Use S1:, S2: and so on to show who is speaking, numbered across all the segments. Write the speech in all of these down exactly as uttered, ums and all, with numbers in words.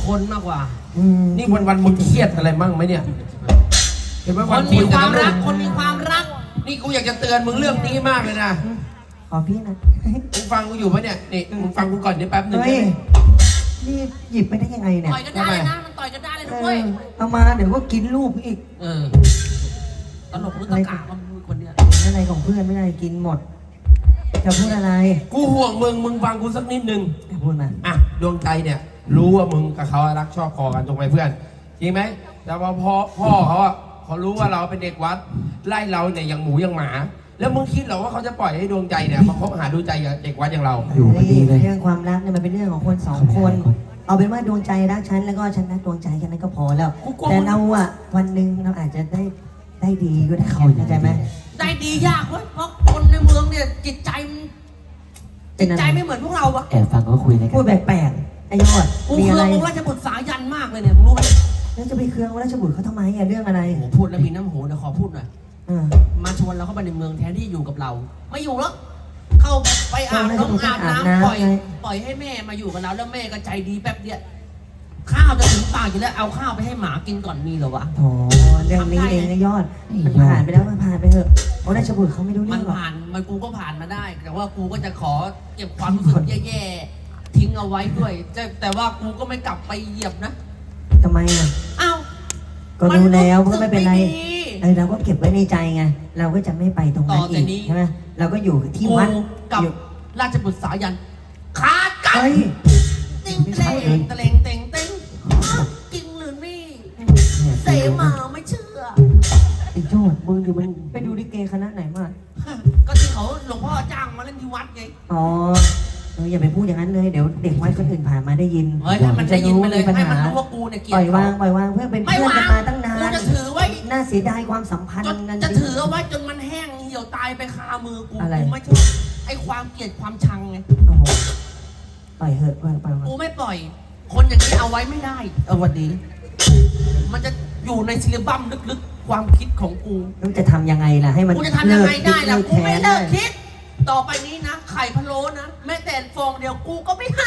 S1: คนมากกว่า
S2: นี่วันวันมึงเครียดอะไรมั่งไหมเนี่ยเห็นไหม
S1: คนมีความรักคนมีความรัก
S2: นี่กูอยากจะเตือนมึงเรื่องนี้มากเลยนะ
S3: ขอพี่นะ
S2: มึงฟังกูอยู่ปะเนี่ยนี่มึงฟังกูก่อนเดี๋ยวแป๊บนึงได้ไหม
S3: นี่หยิบไปได้ยังไงเนี่ย
S1: ต่อยกันได้เลยนะมันต่อยกันได้เลยด้วย
S3: เอามาเดี๋ยวก็กินลูกอีก
S1: เออตลกรู้ตะกะมันคนเนี้ย
S3: อะไรของเพื่อนไม่ได้กินหมดจะพูดอะไร
S2: กูห่วงมึงมึงฟังกูสักนิดนึง
S3: พูดมา
S2: อ่ะดวงใจเนี่ยรู้ว่ามึงกับเขารักชอบคอกันตรงไหมเพื่อนจริงไหมแต่ว่าพ่อพ่อเขาอ่ะเขารู้ว่าเราเป็นเด็กวัดไล่เราเนี่ยอย่างหมูอย่างหมาแล้วมึงคิดเหรอว่าเขาจะปล่อยให้ดวงใจเนี่ยมาคบหาดูใจกับเด็กวัดอย่างเรา
S3: อยู่ดีเลยเรื่องความรักเนี่ยมันเป็นเรื่องของคนสองคนเอาเป็นว่าดวงใจรักฉันแล้วก็ฉันรักดวงใจแค่นั้นก็พอแล้วแต่เราอ่ะวันหนึ่งเราอาจจะได้ได้ดีก็ได้เข้าใจไหม
S1: ได้ดียากเว้ยเพราะคนในเมืองเนี่ยจิตใจจิตใจไม่เหมือนพวกเราอะ
S3: แอบฟังก็คุยอะไรกันพูดแปลกๆไอ้ยอด
S1: กูเคืององค์ราชบุตรสายันมากเลยเนี่ยมึงรู้ไหม
S3: แล้วจะไปเคืององค์ราชบุตรเขาทำไมอะเรื่องอะไร
S1: โอ้พูดแล้วมีน้ำโหนะขอพูดหน่อยมาชวนเราเข้าไปในเมืองแทนที่อยู่กับเราไม่อยู่แล้วเข้าไปอาบน้ำอาบน้ำปล่อยปล่อยให้แม่มาอยู่กับเราแล้วแม่ก็ใจดีแป๊บเดียวข้าวจะถึงปากอยู่แล้วเอาข้าวไปให้หมากินก่อนมีเหรอวะ
S3: โอ้เรื่องนี้เองนะยอดมันผ่านไปแล้วมันผ่านไปเถอะเพราะราชบุตรเขาไม่รู้เรื่
S1: องหรอกมันผ่านมันกูก็ผ่านมาได้แต่ว่ากูก็จะขอเก็บความรู้สึกแย่ๆทิ้งเอาไว้ด้วยแต่ว่ากูก็ไม่กลับไปเหยียบนะ
S3: ทำไมอ่ะ
S1: อ้าว
S3: ก็รู้แล้วก็ไม่เป็นไรเออเราก็เก็บไว้ในใจไงเราก็จะไม่ไปตรงนั้นอีกใช่ไหมเราก็อยู่ที่วัด
S1: กับราชบุตรสายันขาดกันติงเต็งตะเลงเต็งเต็งจริงหรือไม่เสมาไม่เชื่อ
S3: ไอ้โจดมึงอยู่มึงไปดูลิเกคณะไหนมา
S1: ก็ที่เขาหลวงพ่อจ้างมาเล่นที่วัดไง
S3: อ๋อเอออย่าไปพูดอย่างนั้นเลยเดี๋ยวเด็กวัดคนอื่นผ่านมาได้ยิน
S1: เฮ้ยถ้ามันได้ยินไปเลยให้มันรู้ว่ากูเนี่ยเกลียด
S3: ปล่อยวางปล่อยวางเพื่อนเป็นเพื่อนกันมาตั้งนาน
S1: กูจะถือไว้
S3: น่าเสียดายความสัมพันธ์
S1: นั้นจะถือเอาไว้จนมันแห้งเหี่ยวตายไปคามือกูกูไม่ชอบไอ้ความเกลียดความชังไง
S3: ปล่อยเหอะปล่อยปล่อย
S1: กูไม่ปล่อยคนอย่างนี้เอาไว้ไม่ได้เอาวันนี้มันจะอยู่ในซิลิบัมลึกๆความคิดของกู
S3: มึงจะทำยังไงล่ะให้มัน
S1: กูจะทำยังไงได้ล่ะกูไม่เลิกคิดต่อไปนี้นะไข่พะโล้นะแม้แต่ฟองเดียวกูก็ไม่ให้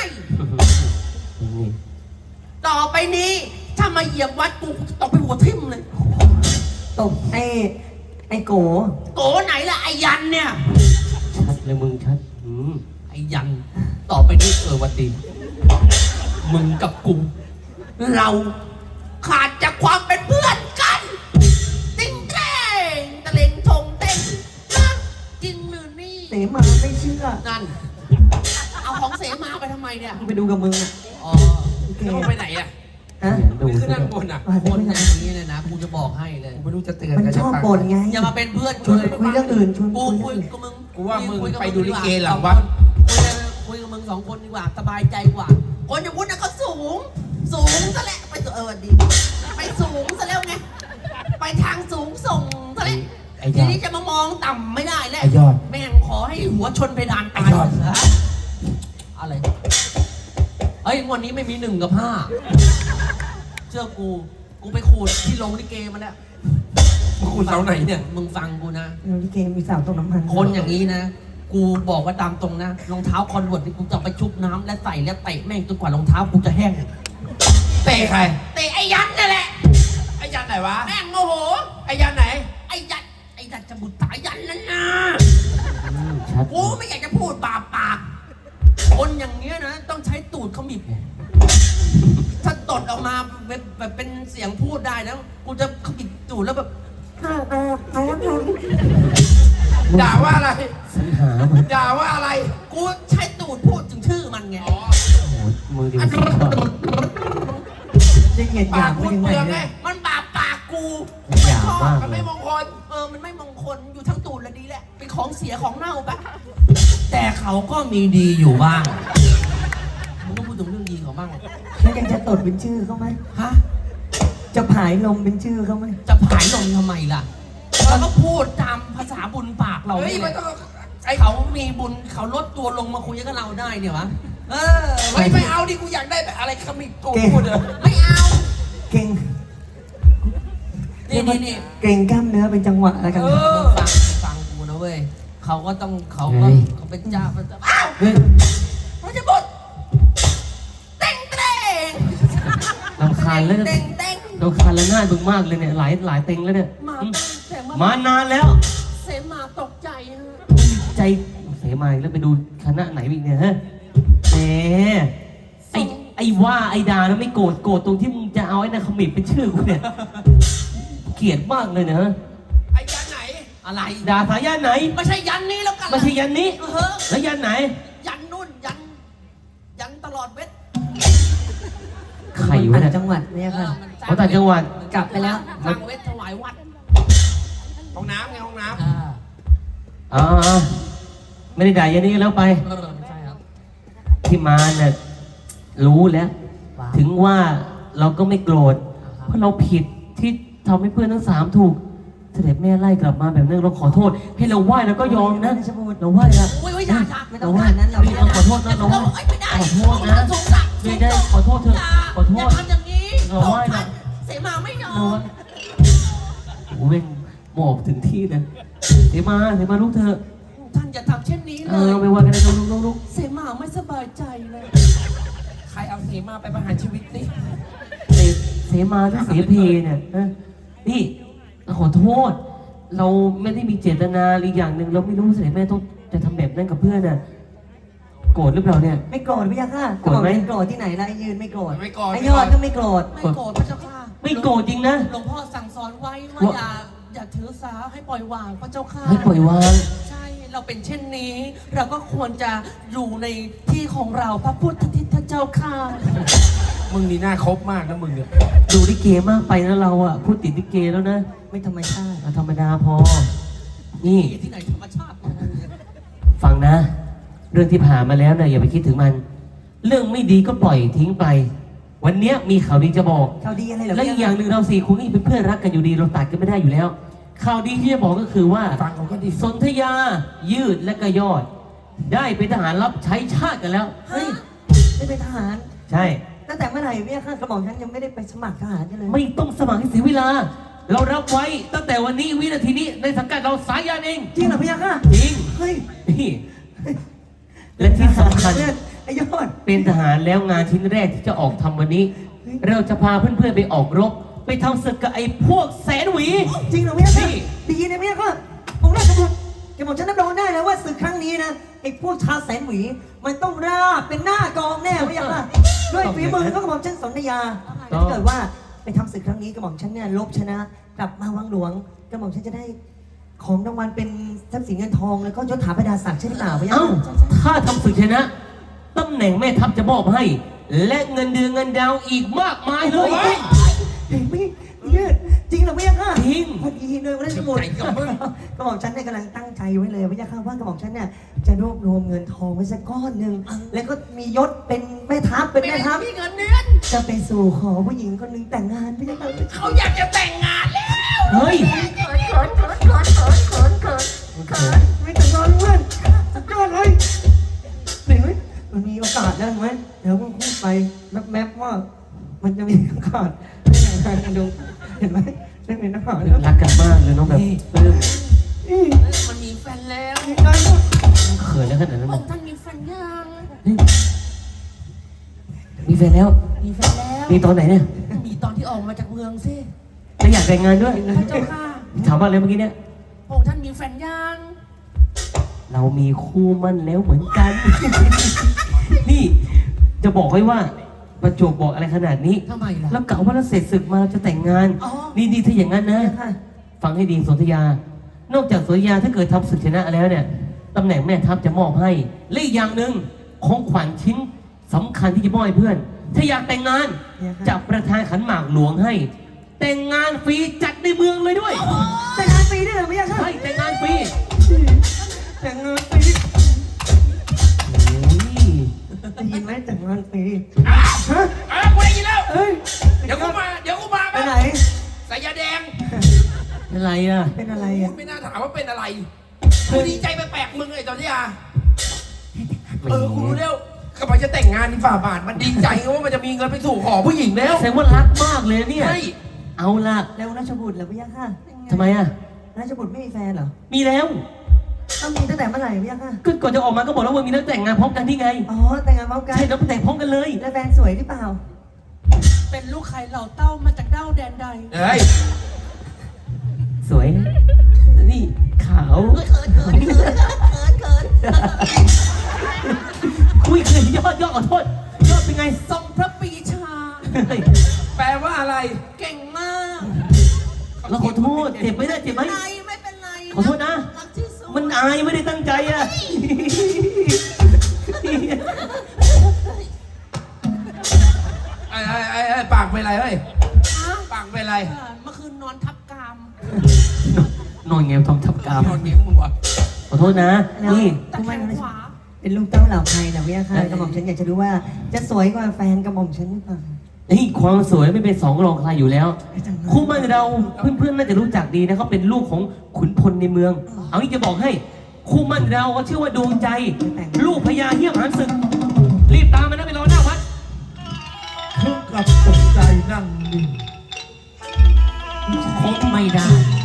S1: ต่อไปนี้ถ้ามาเหยียบวัดกูตกไปหัวทิ่มเลย
S3: ตกไอ้ไอ้โก
S1: โกไหนล่ะไอ้ยันเนี่ย
S2: ชัดเลยมึงชัด
S1: ไอ้ยันต่อไปนี้เออวันดีมึงกับกูเราขาดจากความเป็นเพื่อนกันติ้งเต้งตะเลงทงเต้งนะจริงหรือนี่
S3: เสมาไม่เชื่อ
S1: นั่นเอาของเสมาไปทำไมเนี่ย
S3: ไปดูกับมึงอ่ะ
S1: อ๋อแล้วไปไหนอ่ะ
S3: ฮะ
S2: ดูขึ้นนั่งบนอ่ะ
S1: บนอย่างนี้เลยนะกูจะบอกให้เลย
S2: ไม่รู้จะเตือน
S3: มันชอบบ่นไง
S1: อย่ามาเป็นเพื่อน
S3: ชวนคุยเรื่องอื่นชวน
S1: กูคุยกับมึง
S2: กูว่ามึงไปดูลิเกหลังวัด
S1: คุยกับมึงสองคนดีกว่าสบายใจกว่าคนอย่างวุฒิน่ะเขาสูงสูงซะแล้วไปเออดีไปสูงซะแล้วไงไปทางสูงส่งซะแล้วทีนี้จะมามองต่ำไม่ได้แล้วแม่งขอให้หัวชนเพดานตายอะไรเฮ้ยวันนี้ไม่มีหนึ่งกับห้าเชื่อกูกูไปขูดที่ลงลิเกมาแล้ว
S2: มึงขูดเสาไหนเนี่ย
S1: มึงฟังกูนะ
S3: ลิเกมีเสาตรงน้ำมัน
S1: คนอย่างนี้นะกูบอกว่าตามตรงนะรองเท้าคอนเวิร์ตที่กูจะไปชุบน้ำและใส่และเตะแม่งจนกว่ารองเท้ากูจะแห้ง
S2: เตะใคร
S1: เตะไอ้ยันนั่นแหละ
S2: ไอ้ยันไหนวะ
S1: แม่งโมโห
S2: ไอ้ยันไหน
S1: ไอ้ยันไอ้ยันจะบุตรสายยันนั่นนะกูไม่อยากจะพูดบาปปากคนอย่างเงี้ยนะต้องใช้ตูดเขาบีบถ้าตดออกมาแบบเป็นเสียงพูดได้แล้วกูจะเขาบีบตูดแล้วแบบ
S2: ด่าว่าอะไรด่าว่าอะไร
S1: กูใช้ตูดพูดถึงชื่อมันไง
S3: มือดีจะเหยียดหยาม
S1: พูดเปลืองไงมันบาปปากกู
S3: ไม่ชอบ
S1: มันไม่มงคลเออมันไม่มงคลอยู่ทั้งตูดและดีแหละเป็นของเสียของเน่าปะแต่เขาก็มีดีอยู่บ้างมึงต้องพูดถึงเรื่องดีเขาบ้าง
S3: แล้วยังจะตดเป็นชื่อเขาไหม
S1: ฮะ
S3: จะผายลมเป็นชื่อเขาไหม
S1: จะผายลมทำไมล่ะเราก็พูดตามภาษาบุญปากเราเนี่ยไอเขามีบุญเขาลดตัวลงมาคุยกับเราได้เนี่ยวะเออไม่ไม่เอาดิกูอยากได้แบบอะไรขมิบกูพูดเลยไม่เอา
S3: เก่ง
S1: นี่นี่นี่
S3: เก่งกล้ามเนื้อเป็นจังหวะอะไรกัน
S1: ฟังฟังกูนะเว้ยเขาก็ต้องเขาก็เขาเป็นเจ้าเป็นเจ้าอ้าวมันจะบุญเต้งเต้ง
S4: คานแล้ว
S1: เต้งเต้ง
S4: รำคาญและง่ายมึงมากเลยเนี่ยหลายหลายเต็งแล้วเนี่ย
S1: มาเต้งแต่
S4: มานานแล้ว
S1: เสมาตกใจฮะ
S4: ใจเสมาอีกแล้วไปดูคณะไหนอีกเนี่ยฮะแหมไอ้ไอ้ว่าไอ้ดาแล้วไม่โกรธโกรธตรงที่มึงจะเอาไอ้นั่นขมิบเป็นชื่อกูเนี่ยเกลียดมากเลยนะ
S2: ไอ้ยันไหน
S1: อะไร
S4: ดาสายยันไหน
S1: ไม่ใช่ยันนี้แล้วกัน
S4: ไม่ใช่ยันนี้
S1: เออ
S4: แล้วยันไหน
S1: ยันนู่นยัน ยันตลอดเวท
S4: ใครวะ
S3: ต่า
S4: เนี่ย
S3: งจังหวัดเนี่ยค่ะ
S4: เขาต่างจังหวัด
S3: กลับไปแล้ว
S1: สร้างเวทถวายวัด
S2: ห้องน้ำไงห้องน้
S1: อ่า
S4: อ๋อไม่ได้ด่ายันนี้แล้วไป
S1: เออไม่ใช่ครับ
S4: ที่มาเนี่ยรู้แล้ว
S1: ว่า
S4: ถึงว่าเราก็ไม่โกรธเพราะเราผิดที่ทำให้เพื่อนทั้งสามถูกเสด็จแม่ไล่กลับมาแบบนั้นเราขอโทษ ให้เราไหว้แล้วก็ยอมนะเราไหว้ละ
S1: โอ้ยโอ้ยอย่าอย่า
S3: ไม่ต้องขนาดนั้นหรอก
S4: เราขอโทษนะเราไหว้
S1: เอ้ยไม่ได้
S4: ขอโทษนะ
S1: สงสาร
S4: ไม่ได้ขอโทษเถอะ
S1: ย่า
S4: ขอโทษ
S1: อย่าทำอย่างนี้
S4: เราไหว้นะ
S1: เสมาไม่ยอ
S4: เรา
S1: ม
S4: ไหว้โอ้โหแม่งหมอบถึงที่เลยเสมาเสมาลูกเธอะ
S1: ท่านอย่าทำเช่นนี้
S4: เอ
S1: เล
S4: อย ไม่ว่ากันเลยลูกลูกลูก
S1: เสมาไม่สบายใจเลย
S2: ำใครเอาเสมาไปประหารชีวิตสิ
S4: เสเสมาหรือเสเพเนี่ยฮะนี่ขอโทษ เราไม่ได้มีเจตนาอีกอย่างหนึ่งเราไม่รู้เสด็จแม่ต้องจะทำแบบนั้นกับเพื่อนน่ะโกรธหรือเปล่าเนี่ย
S3: ไม่โกรธพี่ยักษ์ค่ะ
S4: โกรธไหม
S3: โกรธที่ไหนล่ะไอ้ยืนไม่โกรธ
S2: ไม่โกรธ
S3: ไอ้ยอดก็ไม่โกรธ
S1: ไม่โกรธพระเจ้าค่ะ
S4: ไม่โกรธจริงนะ
S1: หลวงพ่อสั่งสอนไว้ว่า
S4: ว่า
S1: อย่าอย่าถือสาให้ปล่อยวางพระเจ้าค่ะ
S4: ให้ปล่อยวาง
S1: ใช่เราเป็นเช่นนี้ เราก็ควรจะอยู่ในที่ของเราพระพุทธทิศเจ้าค่ะ
S2: มึงนี่น่าคบมากนะมึงเนี่ย
S4: ดูลิเกมากไปนะเราอ่ะพูดติดลิเกแล้วนะ
S3: ไม่ธรรมชาติ
S4: เอาธรรมดาพอ นี่
S1: ที่ไหนธรรมชาติ
S4: ฟังนะ เรื่องที่ผ่านมาแล้วนะอย่าไปคิดถึงมัน เรื่องไม่ดีก็ปล่อยทิ้งไป วันเนี้ยมีข่าวดีจะบอก
S3: ข่าวดีอะไรเหรอ
S4: และ
S3: พี่
S4: อี
S3: ยั
S4: ก
S3: กษ์
S4: อย่างหนึ่งเราสี่คนก็ยังเป็นเพื่อนรักกันอยู่ดีเราตัดกันไม่ได้อยู่แล้ว ข่าวดีที่จะบอกก็คือว่า
S2: ฟังเขาก็ดี
S4: สนธยา ยืดและก็ยอด ได้เป็นทหารรับใช้ชาติกันแล้ว
S3: เฮ้ยไม่เป็นทหาร
S4: ใช่
S3: ตั้งแต่เมื่อไหร่พี่ยักษ์ค่ะกระบอกฉันยังไม่ได้ไปสมัครทหารกันเลย
S4: ไม่ต้องสมัครให้เสียเวลา เรารับไว้ตั้งแต่วันนี้วินาทีนี้ในสังกัดเราสายยานเอง
S3: จริงเหรอพี่ยักษ์ค่ะ
S4: จริง
S3: เฮ้ย
S4: นี่และที่สำคัญ
S3: เนี่ยไอ้ยอด
S4: เป็นทหารแล้วงานชิ้นแรกที่จะออกทำวันนี้ เราจะพาเพื่อนๆไปออกรบ ไปทำศึกกับไอ้พวกแสนหวี
S3: จริงเหรอพี่ยักษ์ค่ะ
S4: นี่
S3: ดีนะพี่ยักษ์ค่ะองค์ราชบุตรแกบอกฉันรับรองได้แล้วว่าศึกครั้งนี้นะไอ้พวกชาวแสนหวี มันต้องราบเป็นหน้ากองแน่พี่ยักษ์ค่ะด้วยฝีมือก็กระบอกฉันสนธยาถ้าเกิดว่าไปทำศึกครั้งนี้กระบอกฉันเนี่ยลบชนะ กลับมาวังหลวงกระบอกฉันจะได้ของรางวัลเป็นทรัพย์สินเงินทองแล้วก็ยศถาบรรดาศักดิ์ใช่หรือเปล่าพี่ยัก
S4: เอ้า
S3: ษ์
S4: ถ้าทำศึกชนะตำแหน่งแม่ทัพจะมอบให้ และเงินเดือนเงินดาวอีกมากมายเลย
S3: เห็นไหมยืดจริงเหรอพี่ยักษ์ค่ะ
S4: จริง
S3: พอดีเลยวันนั้นสมุด
S2: ใจกับมึง
S3: กระบอกฉันเนี่ยกำลังตั้งใจไว้เลยพี่ยักษ์ค่ะว่ากระบอกฉันเนี่ยจะรวบรวมเงินทองไว้สักก้อนหนึ่งแล้วก็มียศเป็นแม่ทัพเป็นแม่ทัพ
S1: มีเงินเดือน
S3: จะไปสู่ขอผู้หญิงคนหนึ่งแต่งงานพี่ยักษ์ค่ะ
S1: เขาอยากจะแต่งงานแล้ว
S4: เฮ้ย
S3: ไม่แต่งงานเพื่อนสุดยอดเลยเห็นไหมมันมีโอกาสแล้วเห็นไหมเดี๋ยวมึงพูดไปแมปๆว่า มันจะมีโอกาสได้แต่งงานกันดูเห็นไหมได้เป็นทหารแล้ว
S4: รักกันมากเลยน้องแบบปลื้ม
S3: นี่
S1: มันมีแฟนแล้ว
S3: มีการพูด
S4: เขินแล้วขนาดนั้น
S1: พ
S4: เลย
S1: ระองค์ท่านมีแฟนยัง
S4: เฮ้ยมีแฟนแล้ว
S1: มีแฟนแล้ว
S4: มีตอนไหนเนี่ย
S1: มีตอนที่ออกมาจากเมืองสิ
S4: แล้วอยากแต่งงานด้วย
S1: พระเจ้าค่ะ
S4: ถามว่าอะไรเมื่อกี้เนี่ย
S1: พระองค์ท่านมีแฟนยัง
S4: เรามีคู่มั่นแล้วเหมือนกัน นี่จะบอกไว้ว่า ประจวบบอกอะไรขนาดนี้
S1: ทำไมล่ะ
S4: แล้วกะว่าเราเสร็จศึกมาเราจะแต่งงาน
S1: อ๋อ
S4: นี่นี่ถ้าอย่างนั้นนะ
S3: ค่ะ
S4: ฟังให้ดีสนธยา นอกจากสนธยาถ้าเกิดทำศึกชนะแล้วเนี่ยตำแหน่งแม่ทัพจะมอบให้และอีกอย่างหนึ่งของขวัญชิ้นสำคัญที่จะมอบให้เพื่อน ถ้าอยากแต่งงานจะประทานขันหมากหลวงให้ แต่งงานฟรีจัดในเมืองเลยด้วย
S3: แต่งงานฟรีด้วยเหรอพี่ยักษ์ค่ะ
S4: ใช่แต่งงานฟรี
S3: แต่งงานฟรี
S4: โอ้ย
S3: ได้ยินไหมแต่งงานฟรี
S2: อ้าว
S3: ฮะ
S2: อ้าวกูได้ยินแล้ว
S3: เอ้ย
S2: เดี๋ยวกูมา เดี๋ยวกูมา
S3: ไปไหน
S2: สายยาแดง
S4: อะไรอ่ะ
S3: เป็นอะไร
S2: พู
S3: อ่ะ
S2: ดไม่น่าถามว่าเป็นอะไรกูดีใจแปลกๆมึงไอ้ตอนที่อ่ะเออกูรู้แล้วกำลังจะแต่งงานนี่ฝ่าบาทมันดีใจว่ามันจะมีเงินไปสู่ขอผู้หญิงแล้ว
S4: แสดงว่ารักมากเลยเนี่ย
S2: ใช่
S4: เอาล่ะ
S3: แล้วราชบุตรเหรอพี่ยักษ์ค่ะ
S4: ทำไมอ่ะ
S3: ราชบุตรไม่มีแฟนเหรอ
S4: มีแล้ว
S3: ต้องมีตั้งแต่เมื่อไหร่พี่ยักษ์ค่ะ
S4: ก็ก่อนจะออกมาก็บอกแล้วว่ามีนักแต่งงานพร้อมกันที่ไง
S3: อ๋อแต่งงานพร้อมกัน
S4: ใช่แล้วแต่งพร้อมกันเลย
S3: แล้วแฟนสวยหรือเปล่า
S1: เป็นเป็นลูกไข่เหล่าเต้ามาจากเด้าแดนใด
S2: เฮ้ย
S4: สวยนะนี่ขาว
S1: เขินเขินเขินเขินเขิน
S4: คุยคืนยอดยอดขอโทษยอดเป็นไง
S1: ทรงพระปรีชา
S4: เฮ้ย
S2: แปลว่าอะไร
S1: เก่งมาก
S4: เราขอโทษเจ็บไหมเนี่ยเจ็บไหม
S1: ไรไม่เป็นไร
S4: ขอโทษนะ
S1: รักที่สุด
S4: มันอายไม่ได้ตั้งใจอ่ะ
S2: ไอ้ไอ้ไอ้ไอ้ปากเป็นไรเฮ้ย
S1: ฮะ
S2: ปากเป็นไร
S1: เออเมื่อคืนนอนทับกาม
S4: นอนเงี้ยทำทับกาม
S2: นอนเงี้ยมึงวะ
S4: ขอโทษนะ นี่
S1: ตะแคงขวา
S3: เป็นลูกเต้าเหล่าใครนะพี่ค่ะกระหม่อมฉันอยากจะรู้ว่าจะสวยกว่าแฟนกระหม่อมฉันหรือเปล่า
S4: นี่ความสวยไม่เป็นสองรองใครอยู่แล้ว คู่มั่นเราเพื่อนๆน่าจะรู้จักดีนะเขาเป็นลูกของขุนพลในเมือง เอางี้จะบอกให้ คู่มั่นเราก็ชื่อว่าดวงใจ ลูกพญาเหี้ยมหันศึก รีบตามมานะไปรอหน้าวัด
S5: ถึงกับตกใจนั่งนิ่ง
S4: คงไม่ได้